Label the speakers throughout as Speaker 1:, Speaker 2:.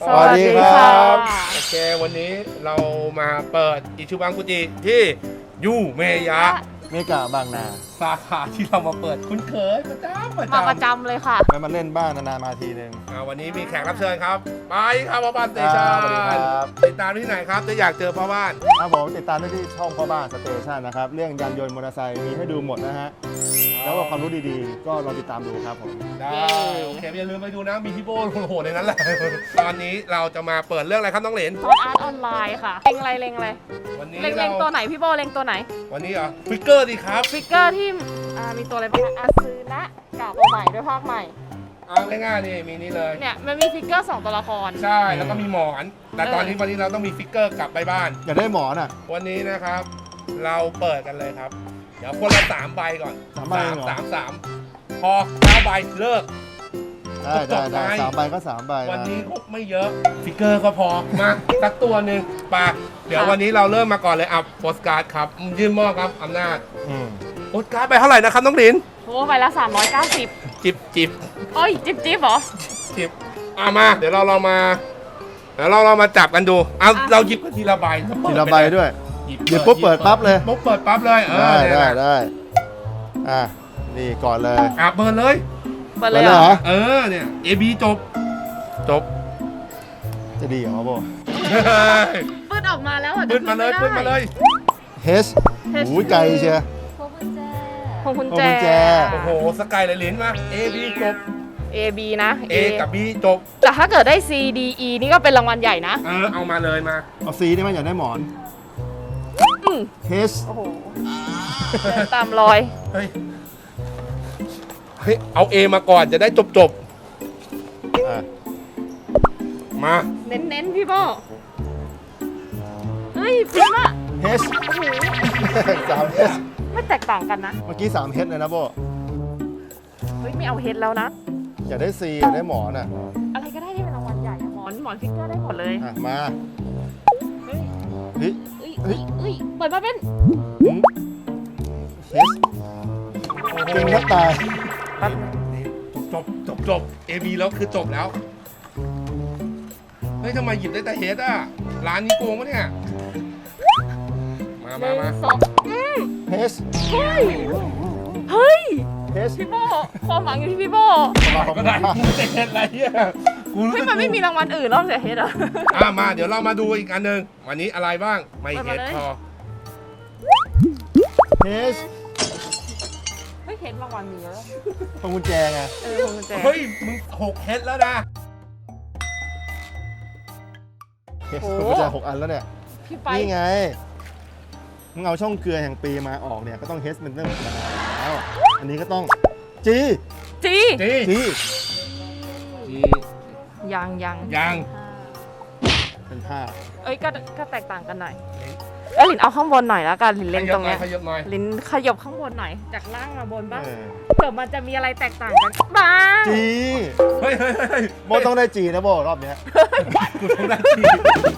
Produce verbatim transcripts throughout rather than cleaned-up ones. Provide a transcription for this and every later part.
Speaker 1: สวัสดีครับโอเควันนี้เรามาเปิดอิชิบังกุจิที่ยูเมยะ
Speaker 2: เมกะบางนา
Speaker 1: สาขาที่เรามาเปิดคุ้นเคยประจำประจำ
Speaker 3: มาประจำเลยค่ะ
Speaker 2: ไปมาเล่นบ้างนานๆมาทีนึง
Speaker 1: วันนี้มีแขกรับเชิญครับไปครับพ่อบ้านสเตชันติดตามที่ไหนครับจะอยากเจอพ่อบ้าน
Speaker 2: ครับผมติดตามได้ที่ช่องพ่อบ้านสเตชันนะครับเรื่องยานยนต์มอเตอร์ไซค์มีให้ดูหมดนะฮะแล้วก็ความรู้ดีๆก็ลองติดตามดูครับผม
Speaker 1: ได้โอเคอย่าลืมไปดูนะมีพี่โบ้โหดในนั้นแหละตอนนี้เราจะมาเปิดเรื่องอะไรครับน้องเหรน
Speaker 3: ซอสอาร์ตออนไลน์ค่ะเล็งอะไรเล็งอะไร
Speaker 1: วันนี้
Speaker 3: เล็งเล็งตัวไหนพี่โบเล็งตัวไหน
Speaker 1: วันนี้เหรอฟิกเกอร์ดีครับ
Speaker 3: ฟิกเกอร์ที่มีตัวอะไรบ้างอาซึนะกับตัวใหม่ด้วยภาคใหม่
Speaker 1: เอาง่ายๆนี่มีนี่เลย
Speaker 3: เนี่ยมันมีฟิกเกอร์สองตัวละคร
Speaker 1: ใช่แล้วก็มีหมอนแต่ตอนนี้วันนี้เราต้องมีฟิกเกอร์กลับไปบ้าน
Speaker 2: อยากได้หมอนอ่ะ
Speaker 1: วันนี้นะครับเราเปิดกันเลยครับเดี๋ยวคนละสามใบก่อน
Speaker 2: สามใบเหรอ
Speaker 1: สามสามพอเก้าใบเลิก
Speaker 2: ได้ได้ได้สามใบก็สามใบ
Speaker 1: วันนี้ครบไม่เยอะฟิกเกอร์ก็พอมาสักตัวหนึ่งปะเดี๋ยววันนี้เราเริ่มมาก่อนเลยอ่ะโปสการ์ดครับยื่นมอบครับอำนาจโปสการ์ดไปเท่าไหร่นะครับน้องลิน
Speaker 3: โอ้ไปละสามร้อยเก้าสิบ
Speaker 1: จิบจิบ
Speaker 3: โอ้ยจิบจิบเหรอ
Speaker 1: จิบอ่ะมาเดี๋ยวเราเรามาเดี๋ยวเราเรามาจับกันดูเอาเราหยิบกันทีละใบ
Speaker 2: ทีละใบด้วยหยิบปุ๊บเปิดปั๊บเลย
Speaker 1: ปุ๊บเปิดปั๊บเลยเออ
Speaker 2: ได้ได้ได้อ่ะนี่ก่อนเลย
Speaker 1: อ่ะเปิดเลย
Speaker 3: เปิดเลยเหรอ
Speaker 1: เออเนี่ย เอ บี จบจบ
Speaker 2: จะดีเหรอโบ
Speaker 3: ปืนออกมาแล้วอ่ะ
Speaker 1: ปืนมาเลยปืนมาเลย
Speaker 2: เฮสหูใจเชีย
Speaker 3: พวงกุญแจพวงกุญแจ
Speaker 1: โอ้โหสกายเลยลิ้นมา เอ บี จบ
Speaker 3: A B นะ
Speaker 1: A กับ B จบ
Speaker 3: แต่ถ้าเกิดได้ C D E นี่ก็เป็นรางวัลใหญ่นะ
Speaker 1: เออเอามาเลยมา
Speaker 2: เอา C นี่มันอยากได้หมอนเฮส
Speaker 3: โอ้โหตามรอย
Speaker 1: เฮ้ยเฮ้ยเอา A มาก่อนจะได้จบจบมา
Speaker 3: เน้นเน้นพี่โบเฮ้ยฟิล์มอะ
Speaker 2: เฮสสามเฮส
Speaker 3: ไม่แตกต่างกันนะ
Speaker 2: เมื่อกี้สามเฮสเลยนะโบ
Speaker 3: เฮ้ยไม่เอาเฮดแล้วนะ
Speaker 2: อยากได้ซีอยากได้หมอนอ่ะ
Speaker 3: อะไรก็ได้ที่เป็นรางวัลใหญ่หมอนหมอนฟิกเกอร์ได้หมดเลย
Speaker 2: อ่ะมา
Speaker 3: เฮ้ย
Speaker 2: เฮ้ย
Speaker 3: เฮ้ยเฮ้ยเปิดมาเป็น
Speaker 2: เฮสเก่งแทบตาย
Speaker 1: จบจบจบ เอ บี แล้วคือจบแล้วเฮ้ยทำไมหยิบได้แต่เฮดอ่ะร้านนี้โกงปะเนี่ยมามามา
Speaker 2: เฮส
Speaker 3: เฮ้ยเฮ้ยพี่โบความหวังอยู่ที่พี่โบ
Speaker 1: ก็ได้กูเฮดอะไรเนี่ย
Speaker 3: กูไม่มันไม่มีรางวัลอื่นนอกจากเฮดอ่ะ
Speaker 1: อ่ะมาเดี๋ยวเรามาดูอีกอันหนึ่งวันนี้อะไรบ้างไม่เฮดพอ
Speaker 2: เฮส
Speaker 3: เฮ้ยเฮดรางวัลมีเยอะ
Speaker 2: พวงกุญแจไง
Speaker 3: เออพวงกุญแจ
Speaker 1: เฮ้ยมึงหกเฮดแล้วนะ
Speaker 2: เฮสพวงกุญแจหกอันแล้วเนี่ย
Speaker 3: พี่ไป
Speaker 2: นี่ไงมึงเอาช่องเกลือแห่งปีมาออกเนี่ยก็ต้องเฮสเป็นเรื่องธรรมดาแล้วอันนี้ก็ต้องจี
Speaker 3: จี
Speaker 1: จี
Speaker 2: จี
Speaker 1: จี
Speaker 3: ยังยัง
Speaker 1: ยัง
Speaker 2: เป็นผ้า
Speaker 3: เอ้ยก็ก็แตกต่างกันหน่อยเอ้ยลินเอาข้างบนหน่อยแล้วกันลินเล็งตรงเนี้ยลินขยับข้างบนหน่อยจากล่างมาบนบ้างเผื่อมันจะมีอะไรแตกต่างกันบ้าง
Speaker 2: จี
Speaker 1: เฮ้ยเฮ้ยเฮ้ย
Speaker 2: โมต้องได้จีนะโบรอบเนี้ย
Speaker 1: กูต้องได้จี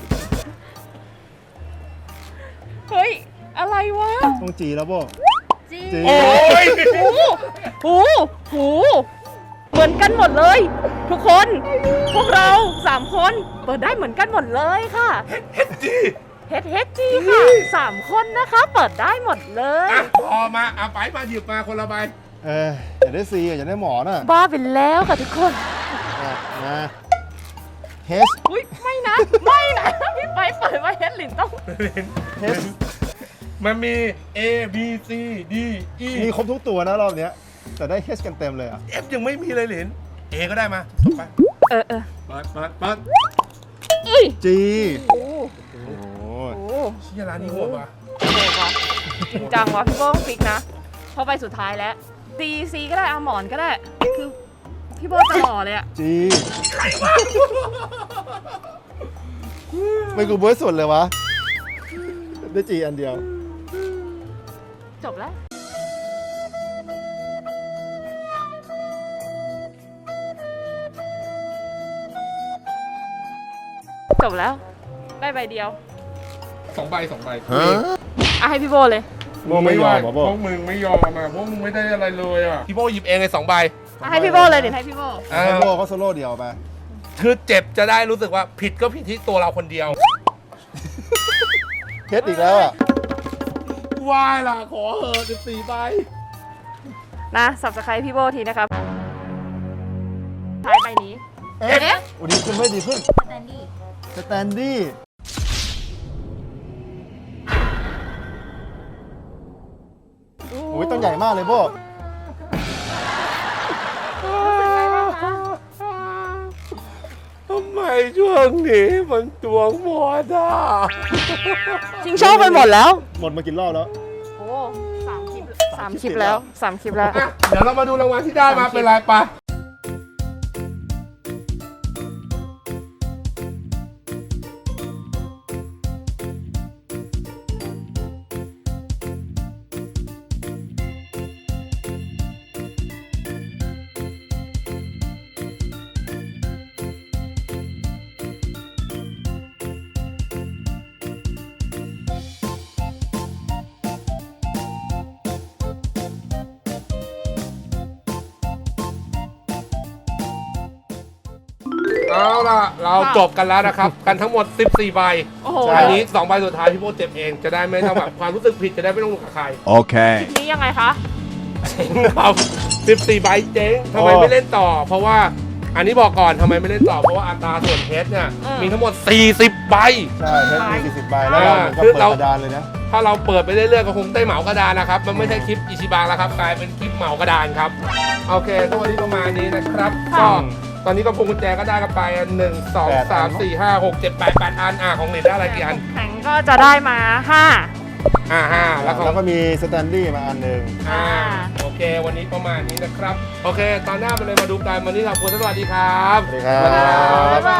Speaker 3: เฮ้ยอะไรวะ
Speaker 2: ต้องจีแล้วโบ
Speaker 3: จีโอ้ยหูหูหูเหมือนกันหมดเลยทุกคนพวกเราสามคนเปิดได้เหมือนกันหมดเลยค่ะ
Speaker 1: เฮดจี
Speaker 3: เฮดเฮดจีค่ะสามคนนะคะเปิดได้หมดเลย
Speaker 1: พอมาเอาไปมาหยิบมาคนละใบ
Speaker 2: เอออยากได้ซีอยากได้หมอน่ะ
Speaker 3: บ้าไปแล้วค่ะทุกคน
Speaker 2: มาเฮส
Speaker 3: อุ้ยไม่นะไม่นะพี่ไปเปิดมาเฮดลินต้อง
Speaker 2: เฮส
Speaker 1: มันมี A B C D E
Speaker 2: มีครบทุกตัวนะรอบเนี้ยแต่ได้เฮสกันเต็มเลยอ่ะ
Speaker 1: F ยังไม่มีเลยหลิน A ก็ได้มาจบไป
Speaker 3: เออเออ
Speaker 1: เปิดเปิดเปิด
Speaker 2: จี
Speaker 3: โอ้
Speaker 2: โห
Speaker 1: เชี่ยร้านนี้โหดว่ะ
Speaker 3: โหดว่ะจริงจังว่ะพี่โบ้ต้องฟิกนะพอไปสุดท้ายแล้ว D C ก็ได้เอาหมอนก็ได้คือพี่โบ้จะหล่อเลยอ่ะ
Speaker 2: จีใครวะไม่กูเบิร์ดสุดเลยวะได้จีอันเดียว
Speaker 3: จบแล้วจบแล้วได้ใบเดียว
Speaker 1: สองใบสองใบ
Speaker 3: อ่ะให้พี่โบเลย
Speaker 2: โบไม่ยอม
Speaker 1: พวกมึงไม่ยอมมาพวกมึงไม่ได้อะไรเลยอ่ะพี่โบหยิบเองเลยสองใบ
Speaker 3: ให้พี่โบเลยเดี๋ยวให้พี่โบ
Speaker 2: ให้โบเขาโซโล่เดียวไป
Speaker 1: คือเจ็บจะได้รู้สึกว่าผิดก็ผิดที่ตัวเราคนเดียว
Speaker 2: เพชรอีกแล้วอ่ะ
Speaker 1: วายล่ะขอเหอะสิบสี่ใบ
Speaker 3: นะ subscribe พี่โบทีนะครับท้ายใบนี้
Speaker 2: เอ๊ะ
Speaker 3: เอ๊ะ
Speaker 2: โอ้ดีขึ้นไม่ดีขึ้น
Speaker 4: สแตนดี้
Speaker 2: สแตนดี้โอ้ยต้องใหญ่มากเลยโบ
Speaker 1: ทำไมช่วงนี้มันตวงหมดอ่ะ
Speaker 3: ชิงโชคไปหมดแล้ว
Speaker 2: หมดมากี่รอบแล้ว
Speaker 3: โอ้สามคลิปสามคลิปแล้วสามคลิปแล้ว
Speaker 1: อ่ะเดี๋ยวเรามาดูรางวัลที่ได้มาเป็นไรปะเอาล่ะ เราจบกันแล้วนะครับ กันทั้งหมด สิบสี่ ใบ
Speaker 3: โอ้โห
Speaker 2: ใช่
Speaker 1: อันนี้สองใบสุดท้ายพี่โบเจ็บเองจะได้ไม่ต้องแบบความรู้สึกผิดจะได้ไม่ต้องกับใคร
Speaker 5: Okay.
Speaker 3: คลิปนี้ยังไงคะ
Speaker 1: เจ๊งครับสิบสี่ ใบเจ๊งทำไมไม่เล่นต่อ เพราะว่าอันนี้บอกก่อนทำไมไม่เล่นต่อ เพราะว่าอัตราส่วนเพชรเนี่ย
Speaker 3: อืม
Speaker 1: มีทั้งหมด สี่สิบ ใบ
Speaker 2: ใช่เพชรมีสี่สิบใบแล้วเราเหมือนกับ
Speaker 1: คือ
Speaker 2: เปิด
Speaker 1: เรา
Speaker 2: กระดานเลยนะ
Speaker 1: ถ้าเราเปิดไปเรื่อยๆก็คงได้เหมากระดานนะครับ มันไม่ใช่คลิปอิชิบังแล้วครับ กลายเป็นคลิปเหมากระดานครับ โอเคก็วันนี้ประมาณนี้นะครับ
Speaker 3: ค่ะ
Speaker 1: ก็ตอนนี้ก็พวงกุญแจก็ได้กันไปหนึ่งสอง
Speaker 2: แปดอั
Speaker 1: สาม
Speaker 2: น
Speaker 1: สี่ห้าหกเจ็ดแปดแปดอันอ่ะของเหรียญได้อะไรกี่อัน
Speaker 3: แข็งก็จะได้มาห้า
Speaker 1: อ่าห้าแล้วของ
Speaker 2: แล้วก็มีสแตนดี้มาอันหนึ่ง
Speaker 1: อ่าโอเค วันนี้ประมาณนี้นะครับ โอเค ตอนหน้าไปเลยมาดูกันวันนี้ขอบคุณสวัสดีครับ
Speaker 2: สวัสดีครับ
Speaker 3: บ๊ายบา